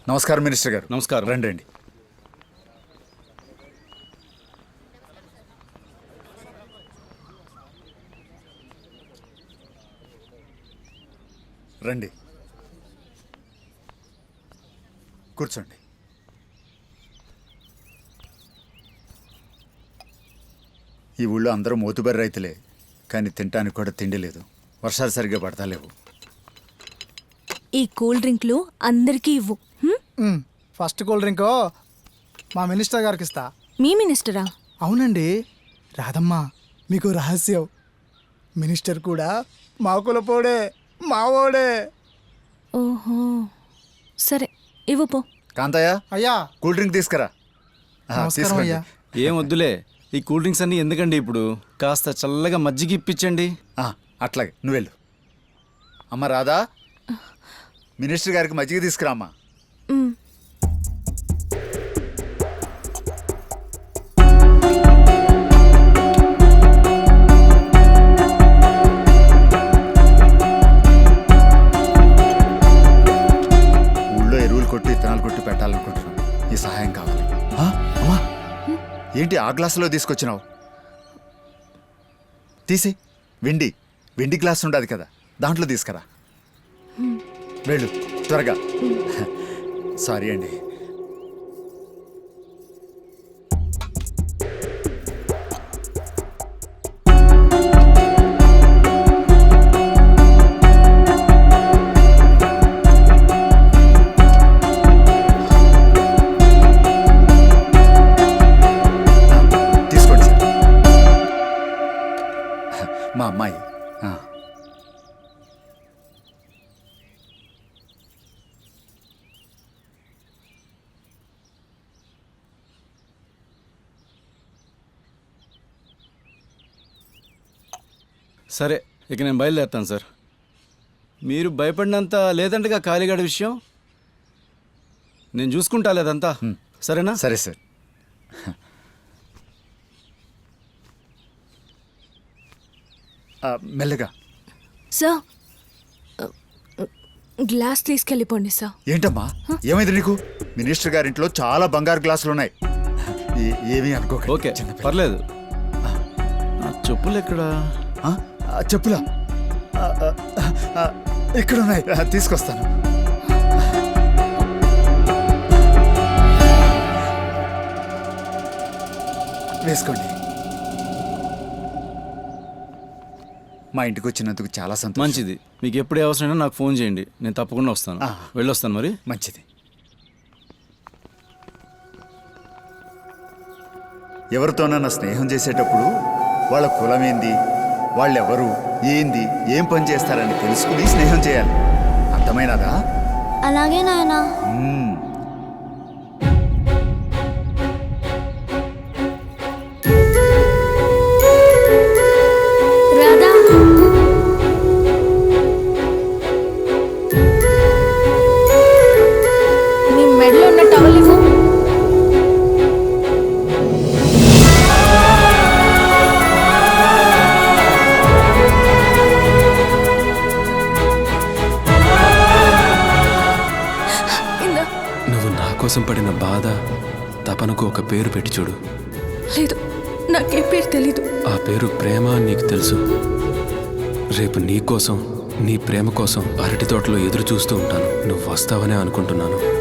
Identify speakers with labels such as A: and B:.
A: నమస్కారం మినిస్టర్ గారు.
B: నమస్కారం.
A: రండి రండి. రండి, కూర్చోండి. ఈ ఊళ్ళో అందరూ మోతుబరి రైతులే, కానీ తినటానికి కూడా తిండి లేదు. వర్షాలు సరిగ్గా పడతాలేవు.
C: ఈ కూల్ డ్రింక్లు అందరికీ ఇవ్వు.
D: ఫస్ట్ కూల్ డ్రింక్ మా మినిస్టర్ గారికి ఇస్తా.
C: మీ మినిస్టరా?
D: అవునండి. రాదమ్మా, మీకు రహస్యం. మినిస్టర్ కూడా మా కులపోడే, మావోడే.
C: ఓహో, సరే ఇవ్వు పో.
A: కాంతయ్య,
D: అయ్యా
A: కూల్ డ్రింక్ తీసుకురా.
D: నమస్కారం
A: తీసుకోండి.
D: అయ్యా.
B: ఏం వద్దులే, ఈ కూల్ డ్రింక్స్ అన్నీ ఎందుకండి ఇప్పుడు? కాస్త చల్లగా మజ్జిగ ఇప్పించండి.
A: అట్లాగే, నువ్వు వెళ్ళు. అమ్మ రాధా, మినిస్టర్ గారికి మజ్జిగ తీసుకురా అమ్మా.
C: మ్,
A: ఊళ్ళో ఎరువులు కొట్టి విత్తనాలు కొట్టి పెట్టాలనుకుంటున్నాను. ఈ సహాయం కావాలి. అమ్మా, ఏంటి ఆ గ్లాసులో తీసుకొచ్చినావు? తీసి వెండి గ్లాస్ ఉండదు కదా, దాంట్లో తీసుకురా. వెళ్ళు త్వరగా. సారీ అండి. తీసుకోండి సార్. మా అమ్మాయి.
B: సరే, ఇక నేను బయలుదేరుతాను సార్. మీరు భయపడినంత లేదంటగా కాళీగాడి విషయం నేను చూసుకుంటా లేదంతా. సరేనా?
A: సరే సార్. మెల్లగా.
C: సార్, గ్లాస్ తీసుకెళ్ళిపోండి సార్.
A: ఏంటమ్మా, ఏమైంది నీకు? మినిస్టర్ గారింట్లో చాలా బంగారు గ్లాసులు ఉన్నాయి. ఏమీ అనుకోకండి.
B: ఓకే,
A: చిన్నపిల్ల.
B: పర్లేదు. నా చెప్పులు ఎక్కడా?
A: చెప్పులా? ఇక్కడ ఉన్నాయి, తీసుకొస్తాను. వేసుకోండి. మా ఇంటికి వచ్చినందుకు చాలా సంతోషం.
B: మంచిది. మీకు ఎప్పుడే అవసరమైనా నాకు ఫోన్ చేయండి, నేను తప్పకుండా వస్తాను. వెళ్ళొస్తాను మరి.
A: మంచిది. ఎవరితోనన్నా స్నేహం చేసేటప్పుడు వాళ్ళ కులమేంది, వాళ్ళెవరు, ఏంది, ఏం పని చేస్తారని తెలుసుకుని స్నేహం చేయాలి. అర్థమైనదా?
E: అలాగే నాయనా.
C: రాధా, నీ మెడలో ఉన్న టవల్ ఇవ్వు.
F: నువ్వు నా కోసం పడిన బాధ, తపనకు ఒక పేరు పెట్టి చూడు.
C: లేదు, నాకే పేరు తెలీదు.
F: ఆ పేరు ప్రేమ అని నీకు తెలుసు. రేపు నీ కోసం, నీ ప్రేమ కోసం అరటి తోటలో ఎదురు చూస్తూ ఉంటాను. నువ్వు వస్తావనే అనుకుంటున్నాను.